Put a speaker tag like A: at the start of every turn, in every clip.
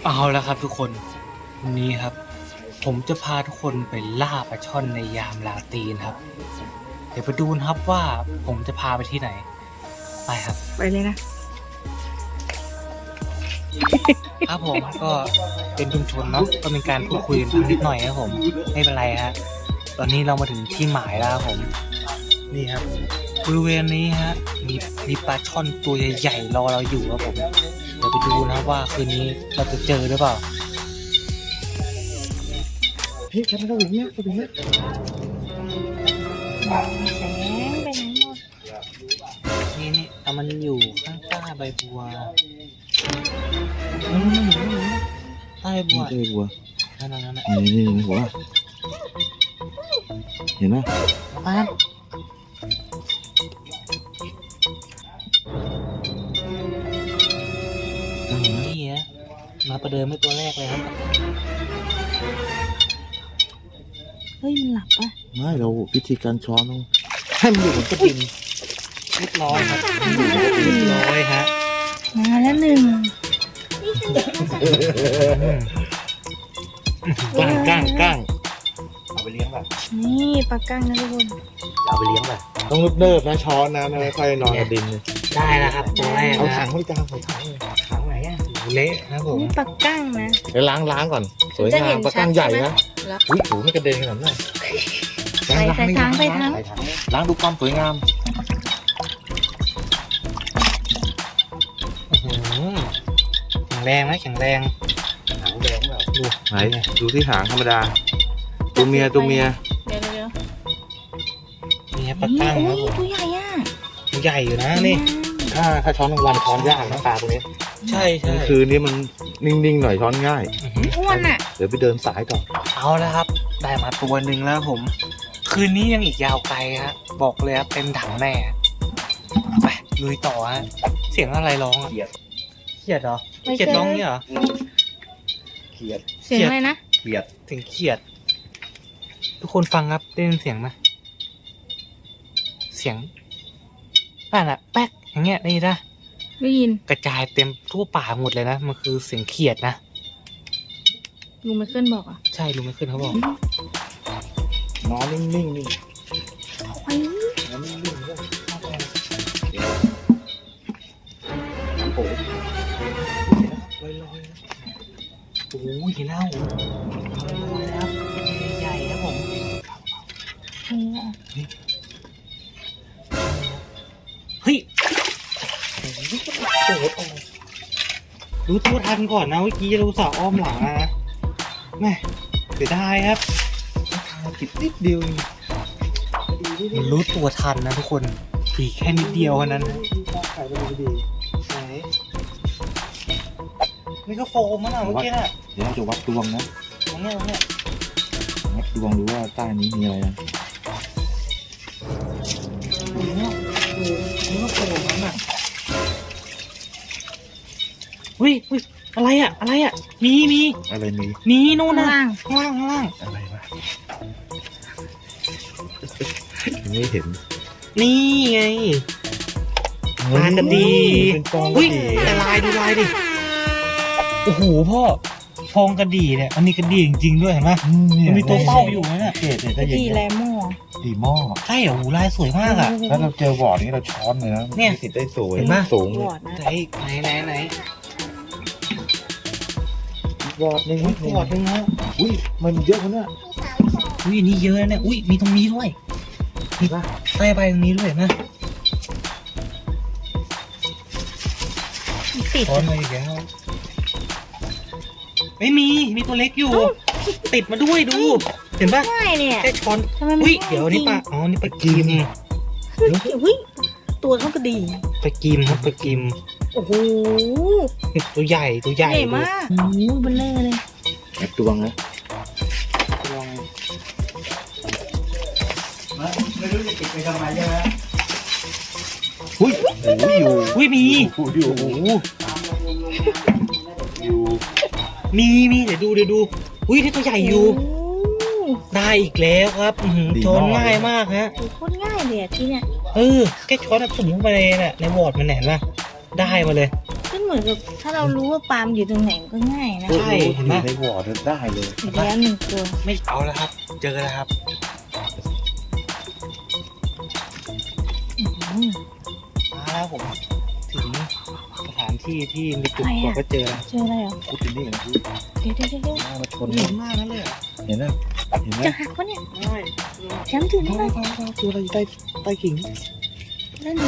A: เอาแล้วครับทุกคนวันนี้ครับผมจะพาทุกคนไปล่าปลาช่อนในยามราตรีครับเดี๋ยวไปดูนะครับว่าผมจะพาไปที่ไหนไปครับ
B: ไปเลยนะครับ
A: ผมก็เป็นชุมชนเนาะก็เป็นการพูดคุยกันบ้างนิดหน่อยครับผมไม่เป็นไรฮะตอนนี้เรามาถึงที่หมายแล้วครับผมนี่ครับบริเวณนี้ฮะมีปลาช่อนตัวใหญ่ๆรอเราอยู่ครับผมเดี๋ยวไปดูนะครับว่าคืนนี้เราจะเจอหรือเปล่า
C: เฮ้ยทำไมเราอย่างเงี้ยตัวนี้
B: แสงไปไหนหมด
A: นี่แต่มันอยู่ข้างใต้ใบบัวใต้บัว
C: เจอบัว
A: นั่น
C: นี่หัวเห็นไหม
A: ป้านี่ฮะมาประเดิมไม่ตัวแรกเลยครับ
B: เฮ้ยมันหลับปะ
C: ไม่เราวิธีการช้อนต้องให้มันอยู่บนกระดิ่ง
A: เรียบร้อยครับเรียบร้อยฮะ
B: มาแล้วหนึ่ง
C: ก้าง
A: เอาไปเลี้ยงแบบ
B: นี่ปลากั้งนะทุกคน
A: เอาไปเลี้ยงแบบ
C: ต้องเนิบๆนะช้อนนะไม่ค่อยนอนกระดิ่งเลย
A: ได้แล้วครับตัวแรก
C: เอา
A: นะ
C: ถังไว้กลางใส่ถังเลย
A: ถังไหนอ่ะเละนะผม
B: นี่ปลากั้งนะ
C: เดี๋ยวล้างก่อนสวย
B: จะ
C: งา
B: เห็
C: ม
B: น
C: ปลาก้าง
B: ชัด
C: ใหญ่
B: ใช่ไหม
C: นะอุ้ยหูไม่กระเด็นขนาดนั้น
B: ใส่ถังใส่ถัง
C: ล้างดูความสวยงาม
A: แข็งแรงนะแข็งแรงหางแดงแบบดู
C: ไหนดูที่หางธรรมดาตัวเมีย
B: เดี๋ยว
A: นี่ครับปลากั้ง
B: โอ้
A: ครับ
B: ย
A: ผม
B: ตัวใหญ่อ่ะ
A: ตัวใหญ่อยู่นะนี่
C: ถ้าช้อนกลางวันช้อนยากนะปลาตัวนี้
A: ใช่
C: กลางคืนนี้มันนิ่งๆหน่อยช้อนง่าย
B: อ้วนอ่ะ
C: เดี๋ยวไปเดินสายก่อน
A: เอาแล้วครับ ได้มาตัวหนึ่งแล้วผม คืนนี้ยังอีกยาวไกลฮะบอกเลยครับเต็มถังแน่ไปลุยต่อฮะเสียงอะไรร้องอ่ะเขียดเหรอ
B: ไม่
A: เขียด
B: ใช่
A: ร้องเนี่ยเหรอ
C: เขียด
B: เสียงอะไรนะ
C: เขียด
A: เสียงเขียด ทุกคนฟังครับได้ยินเสียงไหมเสียงนั่นอะแป๊กอย่างเงี้ยได้ยินปะ
B: ได้ยิน
A: กระจายเต็มทั่วป่าหมดเลยนะมันคือเสียงเขียดนะ
B: ลุงไมเคิลบอกอ่ะ
A: ใช่ลุงไม่ขึ้นเขาบอก
C: นอนนิ่งๆนี่
B: ไอ้
C: นอนนิ่งๆด้วยน้ำโผล่ลอยๆนะ
A: โอ้ยเห็นแล้วโอ้ยนะครับใหญ่ๆครับผม เฮ้ยรู้ตัวทันก่อนนะเมื่อกี้เราสาวอ้อมหลังนะแม่เสียดายครับ
C: ผิดนิดเดียวเอง
A: มันรู้ตัวทันนะทุกคนปีแค่นิดเดียวเท่านั้นนะ
C: ขายไปดี
A: ไหนนี่ก็โฟมมั้งอะเมื่อกี้น่ะ
C: เดี๋ยวเราจะวัดดวงนะ
A: ตรงเนี้ย
C: วัดดวงดูว่าใต้นี้มีอะไรนะ
A: นี่ก็โฟมมั้งอะอุ้ยอะไรอะมี
C: อะไรมี
A: นู่น
B: ข้าง
A: นะ
B: ล่าง
A: ข้างล่าง
C: อะไรวะยังไม่เห็น
A: นี่ไง ปลากระดี
C: เป็นฟองก
A: อุ้
C: ระ
A: ย
C: ดี
A: แต่ลายดูลายดิโอ้โหพ่อฟองกระดี่เนี่ยมันมีกระดี่จริงๆด้วยเห็นไหมมันมีตัวเฝ้าอยู่นะเนี่ย
C: เกตเนี่ย
B: ก
C: ถ้า
B: ระ
C: อย่าง
B: ดี
C: เงี้ย
B: แลโม่
C: ดีหม้อ
A: ใช่เหรอโอ้โหลายสวยมากอ่ะ
C: แล้วเราเจอวอร์ดนี้เราช้อนเลยนะ
A: เนี่ย
C: มีสิทธิ์ได้สวย
A: เห็นปะ
C: สูง
B: วอดนะ
A: ไหน
C: วอร์ดนึง
A: อุ้ยปอดนึงนะ
C: อุ้ยมันเยอะคนเนี่ย
A: อุ้ยอันนี้เยอะนะเนี่ยอุ้ยมีตรงนี้ด้วยมีใต้ใบตรงนี้ด้วยเห็นไหม
B: ติด
A: ช้อนมาอีกแล้วไม่มีตัวเล็กอยู่ ติดมาด้วยดู เห็นปะ
B: ง่ายเนี่ย
A: แค่ช้อน
B: ทำไมมัน
A: อุ้ย
B: ง่าย
A: เดี๋ยวอันนี้
B: จริง
A: ปลาอ๋อนี่ปลากิม
B: เฮ้ยตัวเขากระดี
A: ปลากิมครับปลากิม
B: โอ้โห
A: ตัวใหญ่
B: ใหญ่มากโอ้โหเบลเลอร์เลย
C: แอบดวงนะ
A: ไม่รู้จะติดไปทำไมใช่ไหม
C: อุ้ยโอ้ยอยู่
A: อุ้ยมี
C: อยู่โอ้โหอยู่
A: มีเดี๋ยวดูอุ้ยนี่ตัวใหญ่อยู่ ได้อีกแล้วครับช้อนง่ายมากฮะ
B: โอ้โหโคตรง่ายเลยอะที่เนี่ย
A: แค่ช้อนสุ่มเข้าไปในน่ะในวอร์ดมันเห็นปะได้มาเลย
B: ขึ้นเหมือนมือนกับถ้าเรารู้ว่าปลามันอยู่ตรงไหนมันก็ง่ายนะ
A: ใช่เห็นไหม
C: ในบ่อได้เลย
B: อีกแล้วหนึ่งตัว
A: ไม่เอาแล้วครับ เจอแล้วครับ
B: อื้อหือ
A: มาแล้วผมถึงสถานที่ที่มีจุดตรวจก็เจอแล้ว
B: เจออะไรเหรอ
C: พูดถึงนี่นะพี่
B: เดี๋ยวเดี๋ยวเดี๋ยวเดี๋ยว
C: มาชน
A: เห็นมากนั่นเลยเหรอ
C: เห็นไหมเห็นไหม
B: จะหักวะเนี่ย
A: ใช่
B: แชมป์ถือได้ไหม
C: ตัวอะไรอยู่ใต้กิ่ง
B: ได้หนู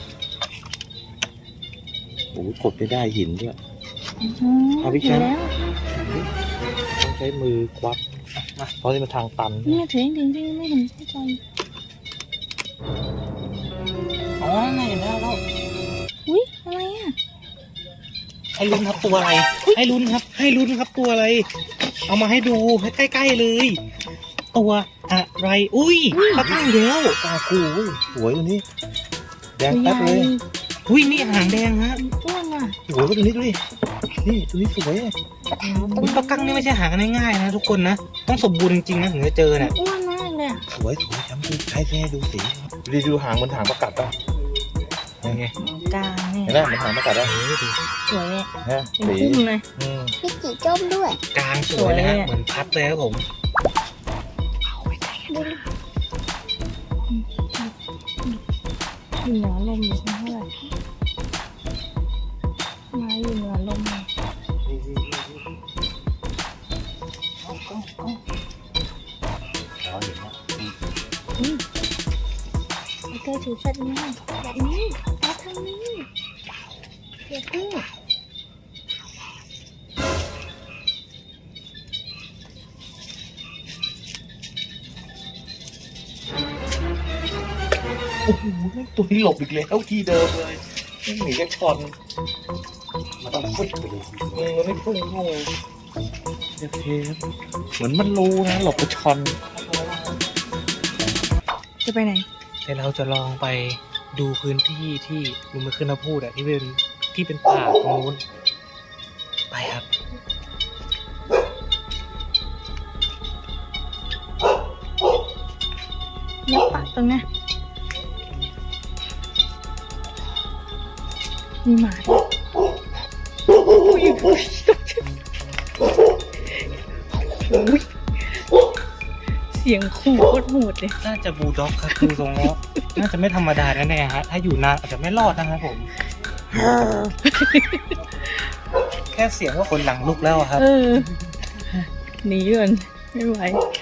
C: โอ้กดไปได้หินด้วย เอาพี่
B: ถื
C: แช
B: อ
C: มป์
B: แล้ว
C: ต้องใช้มือควักเพราะที่มันทางตัน
B: เนี่ยถือจริงๆไม่เห็นไม่ใจ
A: อ๋อนั่นเห็นแล้วแล้ว
B: อุ้ยอะไรอ่ะ
A: ให้ลุ้นครับตัวอะไร ให้ลุ้นครับ ให้ลุ้นครับตัวอะไร เอามาให้ดูให้ใกล้ๆเลย ตัวอะไร อุ้ยปลาตั้งเดียว
C: ตาคู่สวยตัวนี้แดงแป๊บเลย
A: อุ้ยนี่หางแดงฮะ
B: อ้วนอ่ะ
C: สวยตัวนี้ดูดินี่ตัวนี้สวย
A: อุ้ยปลากั้งนี่ไม่ใช่หากันง่ายๆนะทุกคนนะ ต้องสมบูรณ์จริงๆนะถึงจะเจอเนี่ย
B: อ้วนมากเลยอ่ะ
C: สวยจำดูใช้ให้ดูสีดูหางมันหางประกัดป่ะ
A: ยังไง
B: กลางเนี่ย
C: เห็นไหมมันหางประกัดป่ะ
B: สวยอ่ะ
C: ฮะ
B: เป็น
C: สี
B: พุ่มเลย
D: มีกี่จ้มด้วย
A: กลางสวยนะฮะ
B: สวยอะ
A: เหมือนพัดเลยครับผม
B: อยู่เหนือลมอยู่เท่าไหร่มาอยู่เหนือลมเลย
C: อ๋อเห็นแล้ว
B: ไอ้เธอถือสัตว์เนี่ยแบบนี้มาทางนี้เดี๋ยวพึ่ง
C: โอ้โหตัวนี้หลบอีกแล้วที่เดิมเลยไม่หนีก็ชนมันต้องฟึดไปเลยมันไม่พุ่งเข้าเลยโอเคเหมือนมันรู้นะหลบไปชน
B: จะไปไหน
A: แต่เราจะลองไปดูพื้นที่ที่ลุงมาขึ้นมาพูดอะที่เป็นป่าตรงนู้นไปครับ
B: ยับปะตรงเนี้ยมีหมาด้วยอุ้ยอุ้ยเสียงขู่โคตรโหดเลย
A: น่าจะบูลด็อกครับดูทรงแล้ว น่าจะไม่ธรรมดาแน่ๆฮะถ้าอยู่นานอาจจะไม่รอดนะครับผม แค่เสียงก็คนหลังลุกแล้วอะครับ
B: เออหนีก่อนไม่ไหว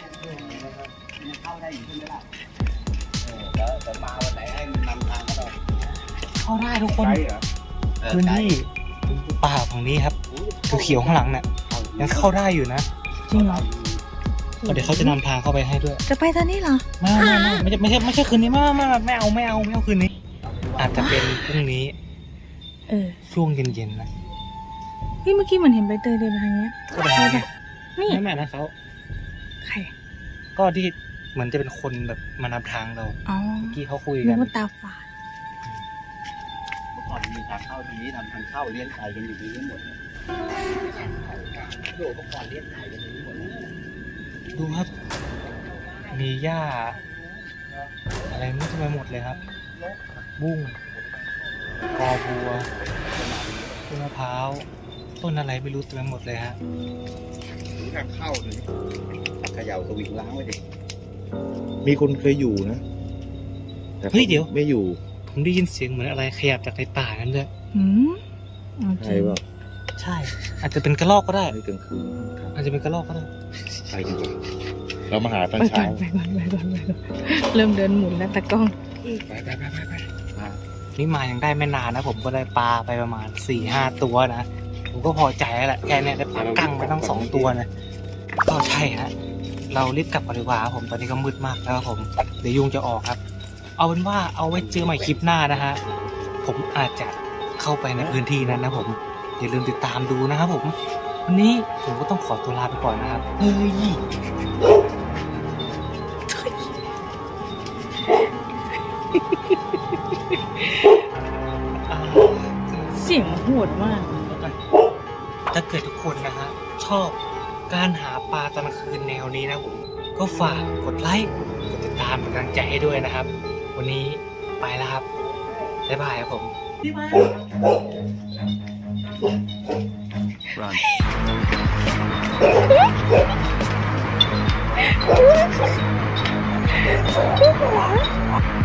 A: เข้าได้ทุกคนพื้นที่ป่าฝั่งนี้ครับเขียวๆข้างหลังเนี่ยยังเข้าได้อยู่นะ
B: จริงเหรอ
A: เดี๋ยวเขาจะนำทางเข้าไปให้ด้วย
B: จะไปตอนนี้เหรอ
A: ไม่ใช่คืนนี้ไม่เอาคืนนี้ อาจจะเป็นพรุ่งนี้
B: เออ
A: ช่วงเย็นๆนะ
B: เฮ้ยเมื่อกี้เหมือนเห็นใบเตยเดินมาทางเนี้ย
A: ก็ไปหาไง
B: นี่
A: ไม่นะเขา
B: ใคร
A: ก็ที่เหมือนจะเป็นคนแบบมานำทางเรา
B: อ๋อ
A: เมื่อกี้เขาคุย
B: นึ
A: กั
B: ก
A: น
B: ว่าตาฝาด
C: เมื่อก่อนมีทางเข้าทีนี้ทำทางเข้าเลี้ยงไก่กันอยู่ที่นี่หมดเลยโดดเมื่อก่อนเลี้ยงไก่กันอยู่ที่หมดเลย
A: ดูครับ มีหญ้า อะไรไม่รู้ไปหมดเลยครับ บุ้งกอบัวต้นมะพร้าวต้นอะไรไม่รู้เต็มไปหมดเลยฮะ
C: หรือทางเข้าเลยเขย่าสวิงล้างไว้ดิมีคนเคยอยู่นะแต่
A: เฮ้ยเดี๋ยว
C: ไม่อยู่
A: ผมได้ยินเสียงเหมือนอะไรขยับจากในป่านั้นด้วย
B: หืมเอาจ
C: ใช่
B: ริง
C: ป่ะ
A: ใช่ อาจจะเป็นกระรอกก็ได้
C: ในกลางคืนครับ
A: อาจจะเป็นกระรอกก็ได้
C: ไปดีกว่าเรามาหาตอน
B: ไปก่อ
C: เช้าน
B: ไปก่อนไปก่อนไปก่อนเริ่มเดินหมุนแล้วตากล้อง
C: ไป
A: นี่มายังได้ไม่นานนะ ผมก็ได้ปลาไปประมาณ 4-5 ตัวนะ ผมก็พอใจแล้วแหละแค่เนี้ยได้ปลากั้งไปตั้ง2 ตัวนะก็ใช่ฮะ เรารีบกลับกันดีกว่าครับผมตอนนี้ก็มืดมากแล้วครับผมเดี๋ยวยุงจะออกครับ เอาเป็นว่าเอาไว้เจอใหม่คลิปหน้านะฮะผมอาจจะเข้าไปในพื้นที่นั้นนะผมอย่าลืมติดตามดูนะครับผมวันนี้ผมก็ต้องขอตัวลาไปก่อนนะครับเฮ้ยอ่า
B: เสียงโหดมาก
A: ถ้าเกิดทุกคนนะฮะชอบการหาปลาตอนกลางคืนแนวนี้นะผมก็ฝากกดไลค์กดติดตามเป็นกำลังใจให้ด้วยนะครับ วันนี้ไปแล้วครับบ๊ายบายครับผม
B: Run.